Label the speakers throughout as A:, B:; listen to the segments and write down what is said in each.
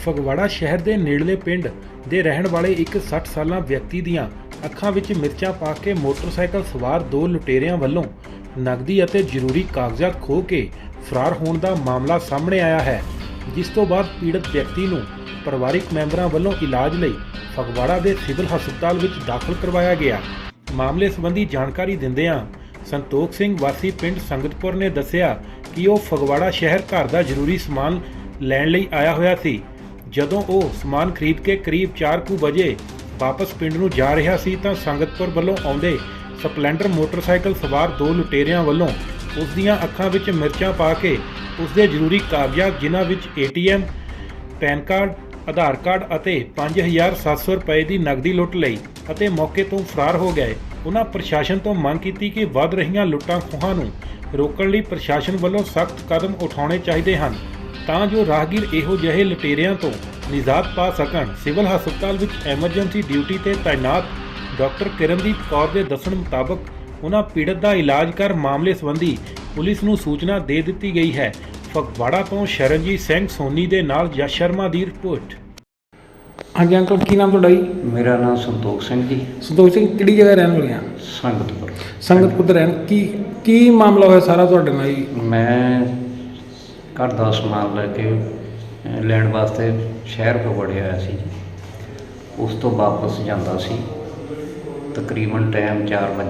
A: ਫਗਵਾੜਾ ਸ਼ਹਿਰ ਦੇ ਨੇੜਲੇ ਪਿੰਡ ਦੇ ਰਹਿਣ ਵਾਲੇ ਇੱਕ 60 ਸਾਲਾ ਵਿਅਕਤੀ ਦੀਆਂ ਅੱਖਾਂ ਵਿੱਚ ਮਿਰਚਾਂ ਪਾ ਕੇ ਮੋਟਰਸਾਈਕਲ ਸਵਾਰ ਦੋ ਲੁਟੇਰਿਆਂ ਵੱਲੋਂ ਨਕਦੀ ਅਤੇ ਜ਼ਰੂਰੀ ਕਾਗਜ਼ਾਤ ਖੋਹ ਕੇ ਫਰਾਰ ਹੋਣ ਦਾ ਮਾਮਲਾ ਸਾਹਮਣੇ ਆਇਆ ਹੈ, ਜਿਸ ਤੋਂ ਬਾਅਦ ਪੀੜਤ ਵਿਅਕਤੀ ਨੂੰ ਪਰਿਵਾਰਕ ਮੈਂਬਰਾਂ ਵੱਲੋਂ ਇਲਾਜ ਲਈ ਫਗਵਾੜਾ ਦੇ ਸਿਵਲ ਹਸਪਤਾਲ ਵਿੱਚ ਦਾਖਲ ਕਰਵਾਇਆ ਗਿਆ। ਮਾਮਲੇ ਸੰਬੰਧੀ ਜਾਣਕਾਰੀ ਦਿੰਦਿਆਂ ਸੰਤੋਖ ਸਿੰਘ ਵਾਸੀ ਪਿੰਡ ਸੰਗਤਪੁਰ ਨੇ ਦੱਸਿਆ ਕਿ ਉਹ ਫਗਵਾੜਾ ਸ਼ਹਿਰ ਘਰ ਦਾ ਜ਼ਰੂਰੀ ਸਮਾਨ ਲੈਣ ਲਈ ਆਇਆ ਹੋਇਆ ਸੀ। ਜਦੋਂ ਉਹ ਸਮਾਨ ਖਰੀਦ ਕੇ ਕਰੀਬ 4 ਵਜੇ ਵਾਪਸ ਪਿੰਡ ਨੂੰ ਜਾ ਰਿਹਾ ਸੀ ਤਾਂ ਸੰਗਤਪੁਰ ਵੱਲੋਂ ਆਉਂਦੇ ਸਪਲੈਂਡਰ ਮੋਟਰਸਾਈਕਲ ਸਵਾਰ ਦੋ ਲੁਟੇਰਿਆਂ ਵੱਲੋਂ ਉਸ ਦੀਆਂ ਅੱਖਾਂ ਵਿੱਚ ਮਿਰਚਾਂ ਪਾ ਕੇ ਉਸ ਦੇ ਜ਼ਰੂਰੀ ਕਾਗਜ਼ਾਤ ਜਿਨ੍ਹਾਂ ਵਿੱਚ ATM, PAN card, Aadhaar card ਅਤੇ 5700 ਰੁਪਏ ਦੀ ਨਕਦੀ ਲੁੱਟ ਲਈ ਅਤੇ ਮੌਕੇ ਤੋਂ ਫਰਾਰ ਹੋ ਗਏ। ਉਹਨਾਂ ਪ੍ਰਸ਼ਾਸਨ ਤੋਂ ਮੰਗ ਕੀਤੀ ਕਿ ਵੱਧ ਰਹੀਆਂ ਲੁੱਟਾਂ ਖੋਹਾਂ ਨੂੰ ਰੋਕਣ ਲਈ ਪ੍ਰਸ਼ਾਸਨ ਵੱਲੋਂ ਸਖਤ ਕਦਮ ਉਠਾਉਣੇ ਚਾਹੀਦੇ ਹਨ ਤਾਂ ਜੋ ਰਾਹਗੀਰ ਇਹੋ ਜਿਹੇ ਲੁਟੇਰਿਆਂ ਤੋਂ ਨਿਜਾਤ ਪਾ ਸਕਣ। ਸਿਵਲ ਹਸਪਤਾਲ ਵਿੱਚ ਐਮਰਜੈਂਸੀ ਡਿਊਟੀ ਤੇ ਤਾਇਨਾਤ ਡਾਕਟਰ ਕਿਰਨਦੀਪ ਕੌਰ ਦੇ ਦੱਸਣ ਮੁਤਾਬਕ ਉਹਨਾਂ ਪੀੜਤ ਦਾ ਇਲਾਜ ਕਰ ਮਾਮਲੇ ਸੰਬੰਧੀ ਪੁਲਿਸ ਨੂੰ ਸੂਚਨਾ ਦੇ ਦਿੱਤੀ ਗਈ ਹੈ। ਫਗਵਾੜਾ ਤੋਂ ਸ਼ਰਨਜੀਤ ਸਿੰਘ ਸੋਨੀ ਦੇ ਨਾਲ ਯਸ਼ ਸ਼ਰਮਾ ਦੀ ਰਿਪੋਰਟ।
B: ਹਾਂਜੀ ਅੰਕਲ, ਕੀ ਨਾਮ ਤੁਹਾਡਾ ਜੀ?
C: ਮੇਰਾ ਨਾਮ ਸੰਤੋਖ ਸਿੰਘ ਜੀ।
B: ਸੰਤੋਖ ਸਿੰਘ ਕਿਹੜੀ ਜਗ੍ਹਾ ਰਹਿਣ ਵਾਲੇ ਆ?
C: ਸੰਗਤਪੁਰ।
B: ਸੰਗਤਪੁਰ ਦੇ ਰਹਿਣ। ਕੀ ਮਾਮਲਾ ਹੋਇਆ ਸਾਰਾ ਤੁਹਾਡੇ ਨਾਲ ਜੀ?
C: ਮੈਂ ਘਰ ਦਾ ਸਮਾਨ ਲੈ ਕੇ ਲੈਣ ਵਾਸਤੇ ਸ਼ਹਿਰ ਫਗਵਾੜੇ ਆਇਆ ਸੀ ਜੀ। ਉਸ ਤੋਂ ਵਾਪਸ ਜਾਂਦਾ ਸੀ, ਤਕਰੀਬਨ ਟਾਈਮ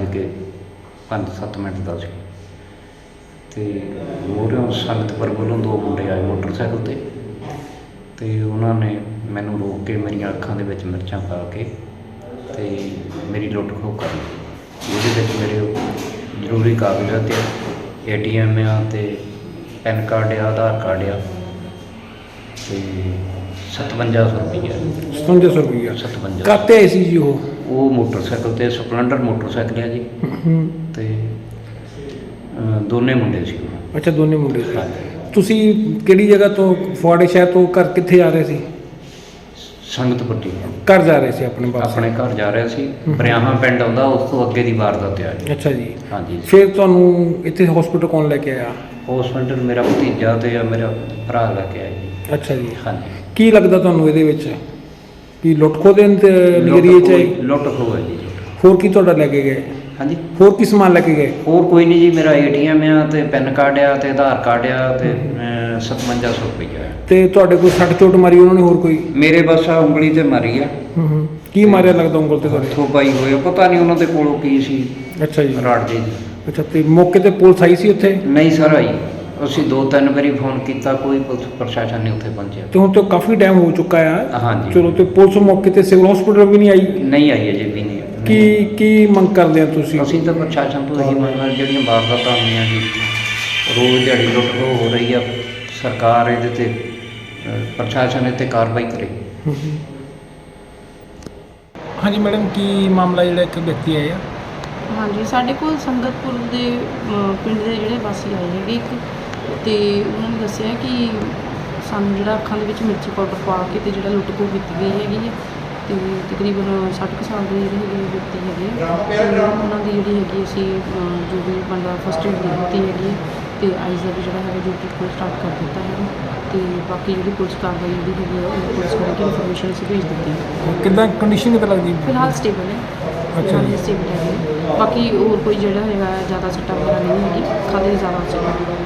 C: 4:05-7 ਦਾ ਸੀ ਅਤੇ ਮੂਹਰਿਓਂ ਸੰਗਤਪੁਰ ਵੱਲੋਂ ਦੋ ਮੁੰਡੇ ਆਏ ਮੋਟਰਸਾਈਕਲ 'ਤੇ ਅਤੇ ਉਹਨਾਂ ਨੇ ਮੈਨੂੰ ਰੋਕ ਕੇ ਮੇਰੀਆਂ ਅੱਖਾਂ ਦੇ ਵਿੱਚ ਮਿਰਚਾਂ ਪਾ ਕੇ ਅਤੇ ਮੇਰੀ ਲੁੱਟ ਖੋਹ ਕਰ ਲਈ। ਉਹਦੇ ਵਿੱਚ ਮੇਰੇ ਜ਼ਰੂਰੀ ਕਾਗਜ਼ਾਤ ATM ਆ ਅਤੇ ਪੈਨ ਕਾਰਡ ਆ, ਆਧਾਰ ਕਾਰਡ ਆ ਅਤੇ 5700 ਰੁਪਈਆ।
B: 5700 ਰੁਪਈਆ
C: 57।
B: ਕਾਹਤੇ ਆਏ ਸੀ ਜੀ ਉਹ
C: ਮੋਟਰਸਾਈਕਲ 'ਤੇ ਸਪਲੈਂਡਰ ਮੋਟਰਸਾਈਕਲ ਆ ਜੀ ਅਤੇ ਦੋਨੇ ਮੁੰਡੇ ਸੀ।
B: ਅੱਛਾ, ਦੋਨੇ ਮੁੰਡੇ ਸੀ।
C: ਹਾਂਜੀ।
B: ਤੁਸੀਂ ਕਿਹੜੀ ਜਗ੍ਹਾ ਤੋਂ, ਫਗਵਾੜੇ ਸ਼ਹਿਰ ਤੋਂ ਘਰ ਕਿੱਥੇ ਜਾ ਰਹੇ ਸੀ?
C: ਸੰਗਤਪੁਰ ਜੀ।
B: ਘਰ ਜਾ ਰਹੇ ਸੀ ਆਪਣੇ ਪਾਸ?
C: ਆਪਣੇ ਘਰ ਜਾ ਰਿਹਾ ਸੀ। ਬਰਿਆਹਾਂ ਪਿੰਡ ਆਉਂਦਾ, ਉਸ ਤੋਂ ਅੱਗੇ ਦੀ ਵਾਰਦਾਤ ਆ ਜੀ।
B: ਅੱਛਾ ਜੀ।
C: ਹਾਂਜੀ।
B: ਫਿਰ ਤੁਹਾਨੂੰ ਇੱਥੇ ਹਸਪੀਟਲ ਕੌਣ ਲੈ ਕੇ ਆਇਆ?
C: ਹਸਪੀਟਲ ਮੇਰਾ ਭਤੀਜਾ ਅਤੇ ਮੇਰਾ ਭਰਾ ਲੈ ਕੇ ਆਇਆ ਜੀ।
B: ਅੱਛਾ ਜੀ।
C: ਹਾਂਜੀ।
B: ਕੀ ਲੱਗਦਾ ਤੁਹਾਨੂੰ ਇਹਦੇ ਵਿੱਚ ਕੀ ਲੁੱਟ ਖੋਹ ਦੇ ਨਜ਼ਰੀਏ 'ਚ ਆਈ?
C: ਲੁੱਟ ਖੋਹ ਹੈ ਜੀ।
B: ਹੋਰ ਕੀ ਤੁਹਾਡਾ ਲੈ ਕੇ ਗਏ?
C: ਹਾਂਜੀ।
B: ਹੋਰ ਕੀ ਸਮਾਨ ਲੈ ਕੇ ਗਏ?
C: ਹੋਰ ਕੋਈ ਨਹੀਂ ਜੀ, ਮੇਰਾ ATM ਆ ਅਤੇ ਪੈਨ ਕਾਰਡ ਆ ਅਤੇ ਆਧਾਰ ਕਾਰਡ ਆ ਅਤੇ 5700 ਰੁਪਈਆ।
B: ਤੇ ਤੁਹਾਡੇ ਕੋਈ ਸੱਟ ਚੋਟ ਮਾਰੀ ਉਹਨਾਂ ਨੇ ਹੋਰ ਕੋਈ?
C: ਮੇਰੇ ਬਸ ਆ ਉਂਗਲੀ 'ਤੇ ਮਾਰੀ ਆ।
B: ਕੀ ਮਾਰਿਆ ਲੱਗਦਾ ਉਂਗਲ ਤੇ ਤੁਹਾਡੇ?
C: ਹੱਥੋਂ ਪਾਈ ਹੋਏ, ਪਤਾ ਨਹੀਂ ਉਹਨਾਂ ਦੇ ਕੋਲੋਂ ਕੀ ਸੀ।
B: ਅੱਛਾ ਜੀ।
C: ਰਾੜ ਜੀ।
B: ਅੱਛਾ, ਤੇ ਮੌਕੇ ਤੇ ਪੁਲਿਸ ਆਈ ਸੀ ਉੱਥੇ?
C: ਨਹੀਂ ਸਰ ਆਈ। ਅਸੀਂ 2-3 ਵਾਰੀ ਫੋਨ ਕੀਤਾ, ਕੋਈ ਪੁਲਿਸ ਪ੍ਰਸ਼ਾਸਨ ਨਹੀਂ ਉੱਥੇ ਪਹੁੰਚਿਆ।
B: ਤੇ ਹੁਣ ਤਾਂ ਕਾਫੀ ਟਾਈਮ ਹੋ ਚੁੱਕਾ ਆ।
C: ਹਾਂਜੀ।
B: ਚਲੋ, ਤੇ ਪੁਲਿਸ ਮੌਕੇ ਤੇ ਸਿਵਲ ਹਸਪੀਟਲ ਵੀ ਨਹੀਂ ਆਈ?
C: ਨਹੀਂ ਆਈ ਅਜੇ ਵੀ ਨਹੀਂ।
B: ਕੀ ਮੰਗ ਕਰਦੇ ਆ ਤੁਸੀਂ?
C: ਅਸੀਂ ਤਾਂ ਪ੍ਰਸ਼ਾਸਨ ਤੋਂ ਇਹੀ ਮੰਗ ਕਰਦੇ, ਜਿਹੜੀਆਂ ਵਾਰਦਾਤਾਂ ਹੋਈਆਂ ਜੀ, ਰੋਜ਼ ਦਿਹਾੜੀ ਲੁੱਟ ਖੋਹ ਹੋ ਰਹੀ ਆ, ਸਰਕਾਰ ਇਹਦੇ 'ਤੇ ਪ੍ਰਸ਼ਾਸਨ ਇਹ 'ਤੇ ਕਾਰਵਾਈ ਕਰੇ।
B: ਹਾਂਜੀ ਮੈਡਮ, ਕੀ ਮਾਮਲਾ ਜਿਹੜਾ ਇੱਕ ਵਿਅਕਤੀ ਆਏ ਆ?
D: ਹਾਂਜੀ, ਸਾਡੇ ਕੋਲ ਸੰਗਤਪੁਰ ਦੇ ਪਿੰਡ ਦੇ ਜਿਹੜੇ ਵਾਸੀ ਆਏ ਹੈਗੇ ਇੱਕ, ਅਤੇ ਉਹਨਾਂ ਨੇ ਦੱਸਿਆ ਕਿ ਸਾਨੂੰ ਜਿਹੜਾ ਅੱਖਾਂ ਦੇ ਵਿੱਚ ਮਿਰਚੀ ਪਾਊਡਰ ਪਾ ਕੇ ਅਤੇ ਜਿਹੜਾ ਲੁੱਟ ਖੋਹ ਕੀਤੀ ਗਈ ਹੈਗੀ ਹੈ ਅਤੇ ਤਕਰੀਬਨ 60 ਕੁ ਸਾਲ ਦੇ ਜਿਹੜੇ ਹੈਗੇ ਵਿਅਕਤੀ ਹੈਗੇ ਅਤੇ ਉਹਨਾਂ ਦੀ ਜਿਹੜੀ ਹੈਗੀ ਅਸੀਂ ਜੋ ਵੀ ਬਣਦਾ ਫਸਟ ਏਡ ਦੇ ਦਿੱਤੀ ਹੈਗੀ ਅਤੇ ਆਈਜ਼ ਦਾ ਵੀ ਜਿਹੜਾ ਹੈਗਾ ਜੋ ਟ੍ਰੀਟਮੈਂਟ ਸਟਾਰਟ ਕਰ ਦਿੱਤਾ ਹੈਗਾ ਅਤੇ ਬਾਕੀ ਜਿਹੜੀ ਪੁਲਿਸ ਕਾਰਵਾਈ ਜਿਹੜੀ ਹੈਗੀ ਹੈ ਉਹ ਪੁਲਿਸ ਕਰਕੇ ਇਨਫੋਰਮੇਸ਼ਨ ਅਸੀਂ ਭੇਜ ਦਿੱਤੀ ਹੈ।
B: ਕਿੱਦਾਂ ਕੰਡੀਸ਼ਨ ਕਿੱਦਾਂ ਲੱਗਦੀ?
D: ਫਿਲਹਾਲ ਸਟੇਬਲ ਹੈ।
B: ਅੱਛਾ ਜੀ।
D: ਸਟੇਬਲ ਹੈ। ਬਾਕੀ ਹੋਰ ਕੋਈ ਜਿਹੜਾ ਹੈਗਾ ਜ਼ਿਆਦਾ ਸੱਟਾਂ ਵਗੈਰਾ ਨਹੀਂ ਹੈਗੀ, ਖਾਲੀ ਜ਼ਿਆਦਾ ਸੱਟਾਂ